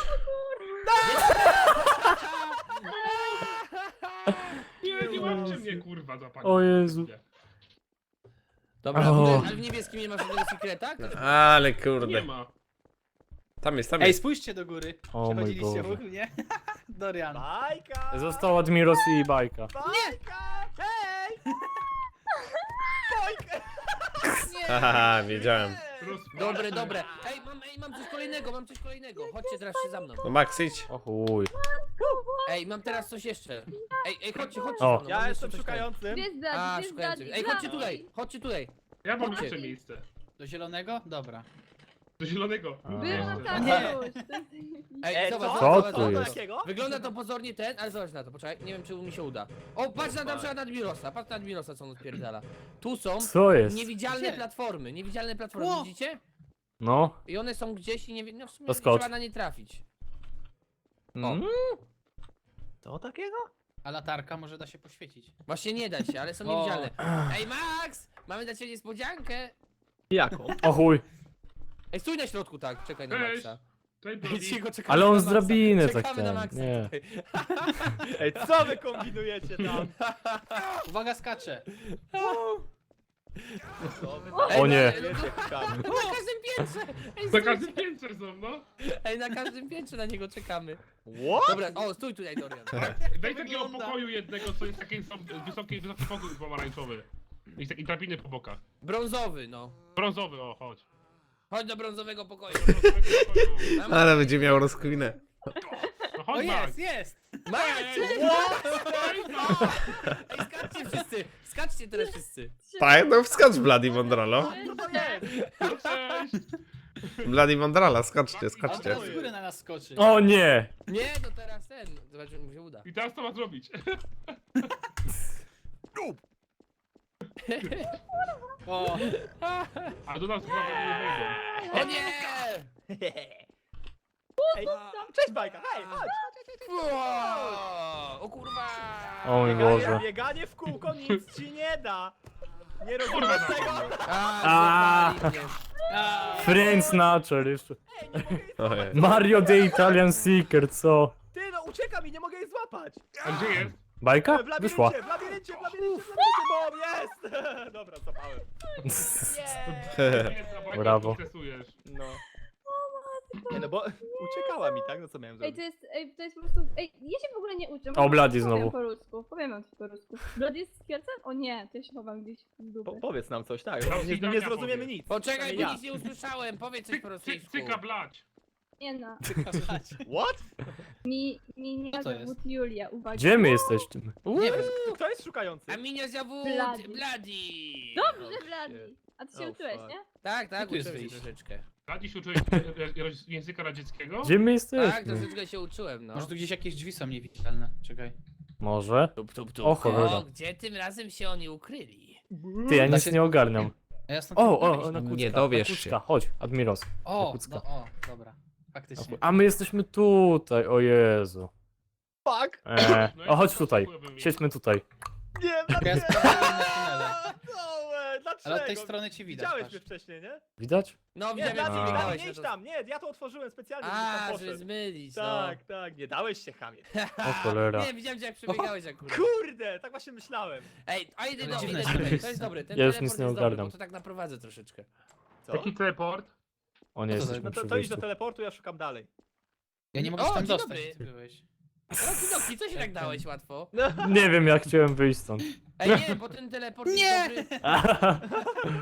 Speaker 6: Nie łapcie mnie, kurwa, za panią.
Speaker 5: O Jezu.
Speaker 4: Dobra,
Speaker 5: O.
Speaker 4: ale w niebieskim nie ma żadnego sekreta?
Speaker 2: Ale
Speaker 6: Nie
Speaker 2: kurde.
Speaker 6: ma.
Speaker 2: Tam jest, tam
Speaker 7: Ej,
Speaker 2: jest.
Speaker 7: spójrzcie do góry.
Speaker 5: O mój
Speaker 7: Przechodziliście
Speaker 5: Boże.
Speaker 7: obok mnie? Dorian.
Speaker 3: Bajka!
Speaker 5: Został Admiros i bajka.
Speaker 3: Bajka! Hej! Bajka!
Speaker 2: Haha, wiedziałem.
Speaker 4: Dobre, dobre. Ej, mam coś kolejnego, mam coś kolejnego. Chodźcie teraz się za mną.
Speaker 2: No Max, idź.
Speaker 5: O chuj.
Speaker 4: Ej, mam teraz coś jeszcze. Ej, chodźcie
Speaker 5: O.
Speaker 4: za mną.
Speaker 3: Ja
Speaker 4: mam
Speaker 3: jestem
Speaker 4: jeszcze coś
Speaker 3: szukającym.
Speaker 1: Gdzie jest
Speaker 4: A,
Speaker 1: Daddy? Gdzie jest
Speaker 4: szukający.
Speaker 1: Daddy?
Speaker 4: Ej, chodźcie
Speaker 1: Daddy.
Speaker 4: tutaj, chodźcie tutaj.
Speaker 6: Ja mam
Speaker 4: Chodźcie.
Speaker 6: jeszcze miejsce.
Speaker 7: Do zielonego? Dobra.
Speaker 6: Do zielonego.
Speaker 5: A.
Speaker 1: Byłam tam
Speaker 7: Nie.
Speaker 1: już.
Speaker 4: Ej, zobacz,
Speaker 5: Co
Speaker 4: zobacz,
Speaker 5: tu
Speaker 4: zobacz.
Speaker 5: jest?
Speaker 3: Jakiego?
Speaker 4: Wygląda to pozornie ten, ale zobacz na to, poczekaj, nie wiem czy mi się uda. O, patrz na przykład na Admirosa, patrz na Admirosa, co on odpierdala. Tu są
Speaker 5: Co jest?
Speaker 4: niewidzialne
Speaker 7: Gdzie?
Speaker 4: platformy,
Speaker 7: Ło!
Speaker 4: widzicie?
Speaker 5: No.
Speaker 4: I one są gdzieś i nie wiem, no w sumie
Speaker 5: To skocz.
Speaker 4: trzeba na nie trafić.
Speaker 5: Mm.
Speaker 3: Co takiego?
Speaker 7: A latarka może da się poświecić.
Speaker 4: Właśnie nie da się, ale są
Speaker 7: O.
Speaker 4: niewidzialne. Ej, Max! Mamy dla ciebie niespodziankę.
Speaker 3: Jaką?
Speaker 5: O chuj.
Speaker 4: Ej, stój na środku, tak, czekaj na
Speaker 6: Cześć.
Speaker 4: Maxa.
Speaker 6: Tutaj
Speaker 4: Ej,
Speaker 6: Brody.
Speaker 4: cicho, czekamy
Speaker 5: Ale on
Speaker 4: na
Speaker 5: z
Speaker 4: Maxa.
Speaker 5: drabiny tak
Speaker 4: Czekamy na
Speaker 5: ten.
Speaker 4: Maxa
Speaker 5: Nie.
Speaker 4: tutaj.
Speaker 3: Ej, co wy kombinujecie tam?
Speaker 7: Uwaga, skacze.
Speaker 3: Co wy
Speaker 4: Ej,
Speaker 5: O nie.
Speaker 3: Wiecie, kam.
Speaker 4: Na każdym piętrze! Ej,
Speaker 6: Na
Speaker 4: stój,
Speaker 6: każdym piętrze są, no.
Speaker 4: Ej, na każdym piętrze na niego czekamy.
Speaker 3: What?
Speaker 4: Dobra, o, stój tutaj, Dorian.
Speaker 6: Daj takiego
Speaker 7: wygląda.
Speaker 6: pokoju jednego, co jest taki wysoki pokój pomarańczowy. I drabiny po bokach.
Speaker 4: Brązowy, no.
Speaker 6: Brązowy, o, chodź.
Speaker 4: Chodź do brązowego pokoju.
Speaker 6: Brązowego pokoju.
Speaker 4: Mam-
Speaker 2: Ale będzie miał rozkminę.
Speaker 6: No
Speaker 7: O
Speaker 6: chodź, Max.
Speaker 7: jest, jest!
Speaker 4: Max!
Speaker 6: Ej, no.
Speaker 4: Ej, skaczcie wszyscy! Skaczcie teraz wszyscy!
Speaker 2: Tak, no wskocz Bloody Mondralo.
Speaker 3: Co to jest?
Speaker 6: No cześć.
Speaker 2: Bloody Mondrala, skoczcie,
Speaker 7: A on
Speaker 2: skoczcie.
Speaker 7: teraz z góry na nas skoczy.
Speaker 5: O nie!
Speaker 4: Nie, to teraz ten. Zobaczymy, mu się uda.
Speaker 6: I teraz co ma zrobić?
Speaker 7: O,
Speaker 6: A do nas chyba nie wejdą.
Speaker 4: O nie!
Speaker 3: Ej, cześć bajka, hej, chodź.
Speaker 4: Wow! O kurwa!
Speaker 5: O mój Boże.
Speaker 3: Bieganie w kółko nic ci nie da. Nie rozumiesz tego?
Speaker 4: A, złapali mnie.
Speaker 7: a,
Speaker 5: Friends Snatcher jeszcze.
Speaker 3: Ej, nie mogę jej
Speaker 2: Ojej.
Speaker 3: złapać.
Speaker 5: Mario the Italian Seeker, co?
Speaker 3: Ty no, uciekam i nie mogę jej złapać.
Speaker 6: A gdzie jest?
Speaker 5: Bajka?
Speaker 3: W
Speaker 5: Wyszła.
Speaker 3: labiryncie, bo jest. Dobra, złapałem.
Speaker 5: Brawo.
Speaker 6: Stresujesz.
Speaker 3: No. Nie no, bo uciekała mi, tak? No co miałem
Speaker 1: Ej,
Speaker 3: zrobić?
Speaker 1: to jest po prostu... Ej, ja się w ogóle nie uczę.
Speaker 5: O, Bloody
Speaker 1: Powiem
Speaker 5: znowu.
Speaker 1: po rusku, powiem wam coś po rusku. Bloody jest skiercem? O nie, to ja się chowam gdzieś w dupę.
Speaker 3: Powiedz nam coś, tak?
Speaker 6: Tam
Speaker 3: Nie
Speaker 6: Zidania
Speaker 3: zrozumiemy
Speaker 6: powie.
Speaker 3: nic.
Speaker 4: Poczekaj,
Speaker 3: Przynajmniej
Speaker 4: bo
Speaker 3: ja.
Speaker 4: nic nie usłyszałem. Powiedz coś po rosyjsku.
Speaker 6: Cyka blać.
Speaker 1: Nie no,
Speaker 3: What?
Speaker 1: mi
Speaker 7: Co to
Speaker 1: nie
Speaker 7: jest?
Speaker 1: zawód Julia, uwaga.
Speaker 5: Gdzie my jesteśmy?
Speaker 7: nie wiem.
Speaker 3: Kto jest szukający?
Speaker 4: A minia zawód
Speaker 1: Bloody.
Speaker 4: Bloody.
Speaker 1: Dobrze, Bloody. A ty się
Speaker 3: Oh,
Speaker 1: uczyłeś,
Speaker 3: fuck.
Speaker 1: nie?
Speaker 4: Tak, tak,
Speaker 7: tu jest
Speaker 4: uczyłem się
Speaker 7: wyjście?
Speaker 4: troszeczkę.
Speaker 6: Radzi się uczyłeś języka radzieckiego?
Speaker 5: Gdzie my
Speaker 4: Tak,
Speaker 5: jesteśmy?
Speaker 4: troszeczkę się uczyłem, no.
Speaker 7: Może tu gdzieś jakieś drzwi są niewidzialne. Czekaj.
Speaker 5: Może?
Speaker 4: Tup, tup, tup.
Speaker 5: O cholera.
Speaker 4: O, gdzie tym razem się oni ukryli?
Speaker 5: Ty, ja
Speaker 7: Da
Speaker 5: nic
Speaker 7: się-
Speaker 5: nie ogarniam.
Speaker 7: A ja stąd
Speaker 5: Na kucka,
Speaker 2: Nie dowiesz
Speaker 5: na kucka.
Speaker 2: się.
Speaker 5: Chodź, Admiros.
Speaker 7: O,
Speaker 5: kucka.
Speaker 7: o, dobra. Faktycznie.
Speaker 5: A my jesteśmy tutaj, o Jezu.
Speaker 3: Fuck!
Speaker 6: No
Speaker 5: O, chodź
Speaker 6: to
Speaker 5: tutaj.
Speaker 6: spróbuję
Speaker 5: Siedźmy tutaj.
Speaker 3: Nie,
Speaker 7: Ja
Speaker 3: dlaczego?
Speaker 7: sprawdzałem na tunele.
Speaker 3: Dlaczego?
Speaker 7: Ale od tej strony ci widać.
Speaker 3: Widziałeś
Speaker 7: patrz.
Speaker 3: mnie wcześniej, nie?
Speaker 5: Widać?
Speaker 4: No,
Speaker 3: Nie,
Speaker 4: widziałem jak
Speaker 3: Blady,
Speaker 5: A.
Speaker 3: Blady,
Speaker 4: biegałeś.
Speaker 3: nie
Speaker 4: no
Speaker 3: idź
Speaker 4: to-
Speaker 3: tam, nie, ja to otworzyłem specjalnie, żebyś
Speaker 4: A,
Speaker 3: tam
Speaker 4: żeby
Speaker 3: poszedł.
Speaker 4: zmylić, no.
Speaker 3: Tak, tak, nie dałeś się, chamie.
Speaker 5: O cholera.
Speaker 4: Nie, widziałem jak przebiegałeś akurat.
Speaker 3: Kurde, tak właśnie myślałem.
Speaker 4: Ej, a idę
Speaker 7: Ale
Speaker 4: do
Speaker 7: dziwne
Speaker 4: idę
Speaker 7: jest to
Speaker 4: tutaj, to
Speaker 7: miejsce.
Speaker 4: jest dobre, ten
Speaker 5: Ja już
Speaker 4: teleport
Speaker 5: nic nie
Speaker 4: jest dobry,
Speaker 5: ogarniam.
Speaker 4: bo to tak naprowadzę troszeczkę.
Speaker 3: Co?
Speaker 6: Taki teleport?
Speaker 5: O nie,
Speaker 7: Co to za-
Speaker 5: jesteśmy
Speaker 3: No
Speaker 5: przy
Speaker 3: to idź do
Speaker 5: wyjściu.
Speaker 3: teleportu, ja szukam dalej.
Speaker 7: Ja nie mogę
Speaker 4: O,
Speaker 7: się tam
Speaker 4: dzień
Speaker 7: dostać,
Speaker 4: dobry.
Speaker 7: gdzie ty byłeś.
Speaker 4: Roki Doki, co się tak dałeś łatwo?
Speaker 5: Nie wiem, jak chciałem wyjść stąd.
Speaker 4: Ej, nie, bo ten teleport
Speaker 7: Nie!
Speaker 4: jest dobry.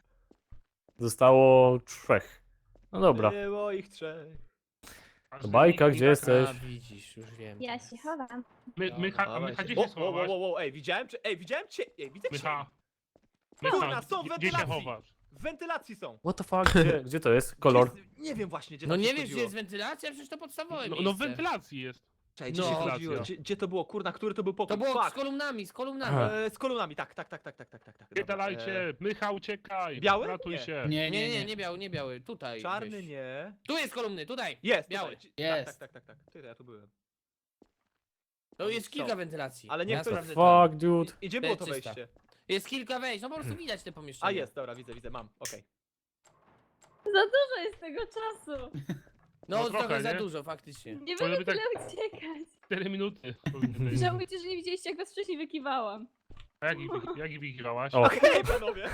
Speaker 5: Zostało 3. No dobra.
Speaker 3: Było ich trzech.
Speaker 5: Bajka, gdzie jesteś?
Speaker 4: A, widzisz, już wiem.
Speaker 1: Ja się chowam.
Speaker 6: Mycha, gdzie
Speaker 3: O,
Speaker 6: się schowasz?
Speaker 3: ej, widziałem cię, widzę cię.
Speaker 6: Mycha.
Speaker 3: Kurna, są
Speaker 6: Gdzie się
Speaker 3: wentylacje.
Speaker 6: chowasz?
Speaker 3: W wentylacji są.
Speaker 5: What the fuck? Gdzie to jest? Kolor?
Speaker 3: Nie wiem właśnie, gdzie
Speaker 4: No
Speaker 3: tam
Speaker 4: nie
Speaker 3: się
Speaker 4: wiesz, gdzie
Speaker 3: chodziło.
Speaker 4: jest wentylacja? Przecież to podstawowe
Speaker 6: No,
Speaker 4: miejsce.
Speaker 6: w wentylacji jest.
Speaker 3: Czekaj, gdzie
Speaker 4: No.
Speaker 3: się chodziło? Gdzie to było? Kurna, który to był pokój?
Speaker 4: To było
Speaker 3: Fuck.
Speaker 4: z kolumnami, z kolumnami.
Speaker 5: Aha.
Speaker 3: Z kolumnami, tak.
Speaker 6: Nie dalajcie, Mycha, uciekaj.
Speaker 3: Biały?
Speaker 6: Ratuj
Speaker 3: Nie.
Speaker 6: się.
Speaker 7: Nie,
Speaker 4: Nie biały, nie biały, tutaj.
Speaker 3: Czarny
Speaker 4: weź.
Speaker 3: nie.
Speaker 4: Tu jest kolumny, tutaj.
Speaker 3: Jest,
Speaker 4: Biały.
Speaker 3: tutaj.
Speaker 7: Jest.
Speaker 3: Tak. Ty, ja tu byłem.
Speaker 4: To jest kilka
Speaker 3: Są.
Speaker 4: wentylacji.
Speaker 3: Ale niech
Speaker 4: ja
Speaker 3: ktoś-
Speaker 4: sprawdzę to.
Speaker 5: Fuck, dude.
Speaker 3: I gdzie było to
Speaker 4: Czysta.
Speaker 3: wejście?
Speaker 4: Jest kilka wejść, no po prostu widać te pomieszczenia.
Speaker 3: A jest, dobra, widzę, mam, okej.
Speaker 1: Za dużo jest tego czasu.
Speaker 4: No,
Speaker 6: No
Speaker 4: trochę
Speaker 6: trochę,
Speaker 4: za
Speaker 6: nie?
Speaker 4: dużo, faktycznie.
Speaker 1: Nie
Speaker 6: Powinno
Speaker 1: będę
Speaker 6: być
Speaker 1: tyle uciekać.
Speaker 6: 4 minuty. powinny być.
Speaker 1: Żałujcie, że nie widzieliście, jak was wcześniej wykiwałam.
Speaker 6: A jak ich wygrałaś?
Speaker 5: O.
Speaker 3: Okej, panowie.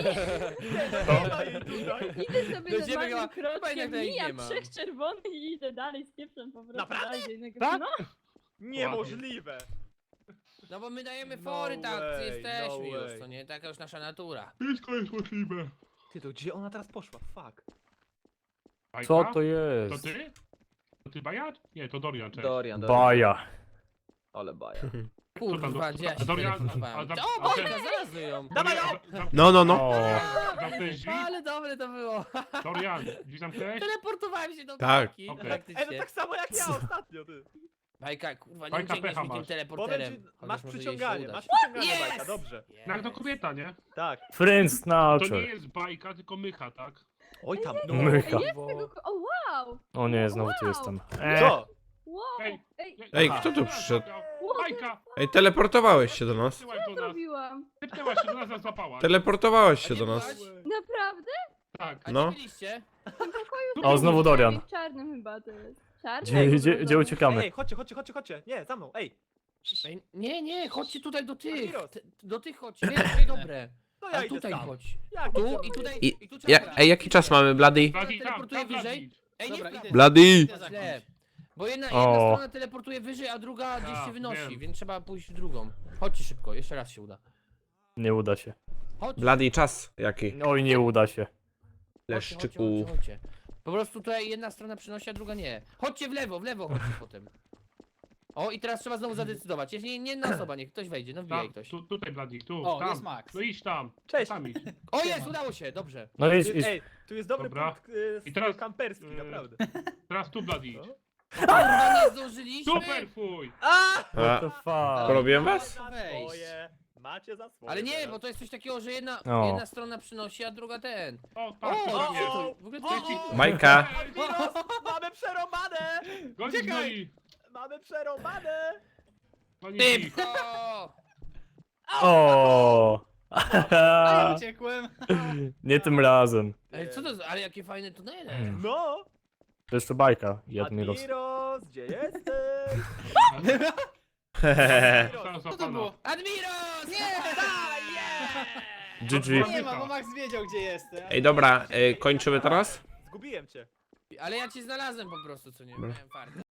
Speaker 3: Tutaj, tutaj.
Speaker 1: Idę sobie
Speaker 4: Będziemy
Speaker 1: normalnym
Speaker 4: chyba jednak
Speaker 1: kroczkiem,
Speaker 4: tutaj nie
Speaker 1: mijam
Speaker 4: ma.
Speaker 1: 3 czerwonych i idę dalej z pieprzem po prostu.
Speaker 3: Naprawdę?
Speaker 1: dalej do innego-
Speaker 4: Tak?
Speaker 1: No,
Speaker 3: Niemożliwe.
Speaker 4: No bo my dajemy
Speaker 3: No
Speaker 4: fory, tak,
Speaker 3: way,
Speaker 4: jesteśmy
Speaker 3: no
Speaker 4: już,
Speaker 3: way.
Speaker 4: to nie? Taka już nasza natura.
Speaker 6: Wszystko jest możliwe.
Speaker 3: Ty, to gdzie ona teraz poszła? Fuck.
Speaker 6: Bajka?
Speaker 5: Co to
Speaker 6: To
Speaker 5: jest?
Speaker 6: ty? To ty Bajat? Nie, to Dorian, cześć.
Speaker 3: Dorian,
Speaker 5: Baja.
Speaker 3: Ale baja.
Speaker 4: Kurwa, gdzie ja się
Speaker 6: Dorian,
Speaker 4: teleportowałem?
Speaker 6: a za-
Speaker 4: O,
Speaker 6: a
Speaker 4: Bajka,
Speaker 6: ten-
Speaker 4: znalazły ją!
Speaker 3: Dawaj ją!
Speaker 2: No, no, no.
Speaker 5: O,
Speaker 6: Zamknąłeś drzwi?
Speaker 4: Ale dobre to było.
Speaker 6: Dorian, drzwi zamknąłeś?
Speaker 4: Teleportowałem się do
Speaker 2: Tak.
Speaker 4: Bajki,
Speaker 6: Okej.
Speaker 3: Ej,
Speaker 4: faktycznie.
Speaker 3: no tak samo jak ja ostatnio, ty.
Speaker 4: Bajka, kurwa, nie
Speaker 6: Bajka,
Speaker 4: uciekniesz
Speaker 6: pecha
Speaker 4: mi tym
Speaker 6: masz.
Speaker 3: Powiem
Speaker 4: teleporterem.
Speaker 3: ci,
Speaker 4: Chociaż
Speaker 3: masz
Speaker 4: może jej się
Speaker 3: przyciąganie,
Speaker 4: udać.
Speaker 3: masz przyciąganie,
Speaker 4: Yes!
Speaker 3: bajka, dobrze.
Speaker 6: No jak to kobieta, nie?
Speaker 3: Tak.
Speaker 5: Friends
Speaker 6: To nie
Speaker 5: Nature.
Speaker 6: jest bajka, tylko mycha, tak?
Speaker 3: Oj tam.
Speaker 5: Mycha.
Speaker 1: jest tego... O, wow!
Speaker 5: O nie, znowu tu jestem.
Speaker 3: Co?
Speaker 1: Wow!
Speaker 6: Ej,
Speaker 1: Ej,
Speaker 2: Ej,
Speaker 6: Aha.
Speaker 2: kto tu przyszedł?
Speaker 6: Bajka!
Speaker 2: Ej, teleportowałeś się do nas.
Speaker 6: Typnęłaś do nas.
Speaker 1: zrobiłam?
Speaker 6: Typnęłaś się do nas, załapałaś.
Speaker 2: Teleportowałeś
Speaker 4: A
Speaker 2: się
Speaker 4: nie
Speaker 2: do nas.
Speaker 4: byłaś?
Speaker 1: Naprawdę?
Speaker 6: Tak.
Speaker 4: A
Speaker 2: No.
Speaker 4: gdzie byliście?
Speaker 5: O, znowu Dorian.
Speaker 1: W czarnym chyba to jest. Czarny?
Speaker 5: Gdzie uciekamy?
Speaker 3: Ej, chodźcie. Nie, za mną, ej.
Speaker 4: Ej, nie, chodźcie tutaj do tych.
Speaker 3: Admiros.
Speaker 4: Do tych chodźcie. Nie, tutaj dobre.
Speaker 3: To ja
Speaker 4: A
Speaker 3: idę
Speaker 4: tutaj
Speaker 3: tam.
Speaker 4: chodź.
Speaker 3: Jak
Speaker 4: Tu
Speaker 3: idziemy?
Speaker 4: i tutaj.
Speaker 2: I,
Speaker 4: I tu trzeba grać.
Speaker 2: ej, jaki czas mamy, Bloody?
Speaker 6: Bladi, tam,
Speaker 4: teleportuje
Speaker 6: tam,
Speaker 4: wyżej.
Speaker 6: Bladi.
Speaker 4: Ej, nie
Speaker 7: Dobra,
Speaker 4: w prawo.
Speaker 7: idę.
Speaker 2: Bloody!
Speaker 7: Idę za
Speaker 4: Źle.
Speaker 7: kimś.
Speaker 4: Bo jedna
Speaker 5: O.
Speaker 4: strona teleportuje wyżej, a druga gdzieś
Speaker 6: A,
Speaker 4: się wynosi,
Speaker 6: wiem.
Speaker 4: więc trzeba pójść w drugą. Chodźcie szybko, jeszcze raz się uda.
Speaker 5: Nie uda się.
Speaker 4: Chodź.
Speaker 2: Bloody czas jaki?
Speaker 5: Oj, nie uda się.
Speaker 2: Leszczyku.
Speaker 4: Chodźcie. Po prostu tutaj jedna strona przynosi, a druga nie. Chodźcie w lewo chodźcie potem. O, i teraz trzeba znowu zadecydować. Jeśli nie jedna osoba, niech ktoś wejdzie, no wbijaj
Speaker 6: Tam,
Speaker 4: ktoś.
Speaker 6: tutaj Bladi, tu,
Speaker 7: O,
Speaker 6: tam.
Speaker 7: jest Max.
Speaker 6: No idź tam.
Speaker 3: Cześć.
Speaker 6: Tam idź.
Speaker 4: O, jest, udało się, dobrze.
Speaker 5: No idź, idź.
Speaker 3: Ej, tu jest dobry
Speaker 6: Dobra.
Speaker 3: punkt
Speaker 6: I teraz,
Speaker 3: kamperski,
Speaker 6: y,
Speaker 3: naprawdę.
Speaker 6: Teraz tu Bladi idź.
Speaker 4: Kurwa, nie zdążyliśmy.
Speaker 6: Super fuj!
Speaker 2: A,
Speaker 5: What the fuck?
Speaker 2: porobiłem was?
Speaker 3: Za swoje, macie za swoje.
Speaker 4: Ale nie,
Speaker 3: teraz.
Speaker 4: bo to jest coś takiego, że jedna
Speaker 5: O.
Speaker 4: strona przynosi, a druga ten.
Speaker 6: O,
Speaker 4: O,
Speaker 6: tak,
Speaker 4: o,
Speaker 6: tak jest.
Speaker 4: to w ogóle to
Speaker 2: Majka.
Speaker 3: Admiros, mamy przerąbane!
Speaker 6: Gonić, goni!
Speaker 3: Mamy przerąbane!
Speaker 6: Gonić ich.
Speaker 4: Szybko!
Speaker 5: O.
Speaker 7: A ja uciekłem.
Speaker 5: Nie tym razem.
Speaker 4: Ej, co to za, ale jakie fajne tunele.
Speaker 3: No!
Speaker 5: To jeszcze bajka. Jadmiros.
Speaker 3: Admiros, gdzie jesteś?
Speaker 6: Zostałem
Speaker 7: Co to
Speaker 6: złapana.
Speaker 7: było?
Speaker 4: Admiros!
Speaker 7: Nie!
Speaker 5: GG.
Speaker 7: Nie ma, bo Max wiedział gdzie jestem.
Speaker 2: Ej, dobra, kończymy teraz?
Speaker 3: Zgubiłem cię.
Speaker 4: Ale ja cię znalazłem po prostu, co nie?
Speaker 2: Dobra.
Speaker 4: Miałem farta.